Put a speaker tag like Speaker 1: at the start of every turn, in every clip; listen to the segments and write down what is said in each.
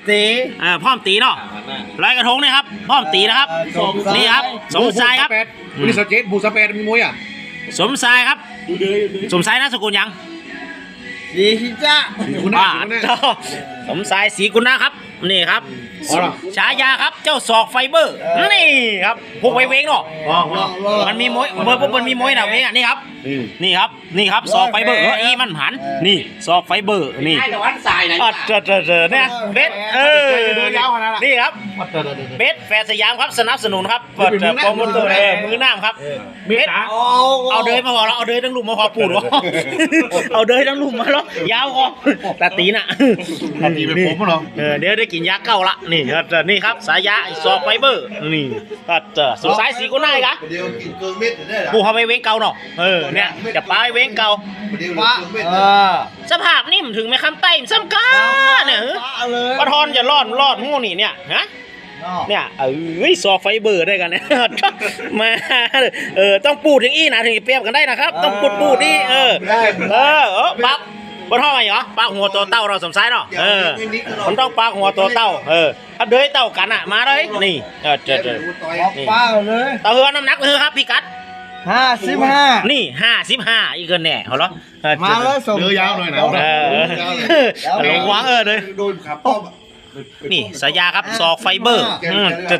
Speaker 1: ตี
Speaker 2: พร้อมตีเนาะลอยกระทงนี่ครับพร้อมตีนะครับนี่ครับสมชายครับ
Speaker 3: วันนี้สเก็ตบูสเปรมีมวยอ่ะ
Speaker 2: สมชายครับสมชายนามสกุลยัง
Speaker 1: ดีที่จ้า
Speaker 3: คุณ
Speaker 2: อ่า
Speaker 3: น่า
Speaker 2: เจ้าสมชายศรีกุณนะครับนี่ครับฉายาครับเจ้าศอกไฟเบอร์นี่ครับพวกไวเวงเนาะมันมีมวยมันมีมวยนะเวงอ่ะนี่ครับนี่ครับศอกไฟเบอร์อีมันหันนี่ศอกไฟเบอร์นี่
Speaker 1: ไอ้ตะวันสายไหน
Speaker 2: เนี่ยเบสนี่ครับเบสแฟร์สยามครับสนับสนุนครับเปิดโปรโมเตอร์มือน้ำครับเบสเอาเดยมาพอแล้วเอาเดยทั้งลุมมาพอปูดวะเอาเดยทั้งลุมมาแล้วยาวคอตาตีน่ะ
Speaker 3: ตีเป็นผมเหรอ
Speaker 2: เดี๋ยวได้กินยาเก้าละนี่นี่ครับสายยาซอกไฟเบอร์นี่สุดสายสีกุน่ายกะ
Speaker 4: เดี๋ยวกินเกินเม็ดได้หรอ
Speaker 2: ปูเขาไปเว้งเก่าเนาะเนี่ยจะปลาไปเว้งเก่า
Speaker 4: เดี๋ยว
Speaker 1: ป้า
Speaker 4: เกินเม็ด
Speaker 2: สภาพนิ่มถึงไม่คำไต้ซ้ำกาเนี่ย
Speaker 1: เลย
Speaker 2: ปะทอนจะรอดหูนี่เนี่ยฮะเนี่ยซอกไฟเบอร์ได้กันเนี่ยมาต้องปูดอย่างอี้นะถึงจะเปรียบกันได้นะครับต้องปูดนี่ปั๊บปะทอนอะไรเหรอปากหัวตัวเต้าเราสมสายเนาะมันต้องปากหัวตัวเต้าถ้าเดือยเต้ากันอ่ะมาเลยนี่
Speaker 1: ป้าเลย
Speaker 2: เต้าเฮือน้ำหนักเลยครับพี่กัด
Speaker 1: 55
Speaker 2: นี่55อีกเกินแน่เหรอ
Speaker 1: มาเลยส่ง
Speaker 3: เรือยาวหน่อยนะ
Speaker 2: หลงวาง
Speaker 4: โ
Speaker 2: เลย
Speaker 4: ดนขับป้อม
Speaker 2: นี่สายยาครับซอกไฟเบอร์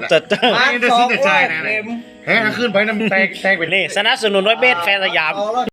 Speaker 3: แพ้ขึ้นไปน้ำแตกไป
Speaker 2: นี่สนับสนุนด้วยเบสแฟนสยาม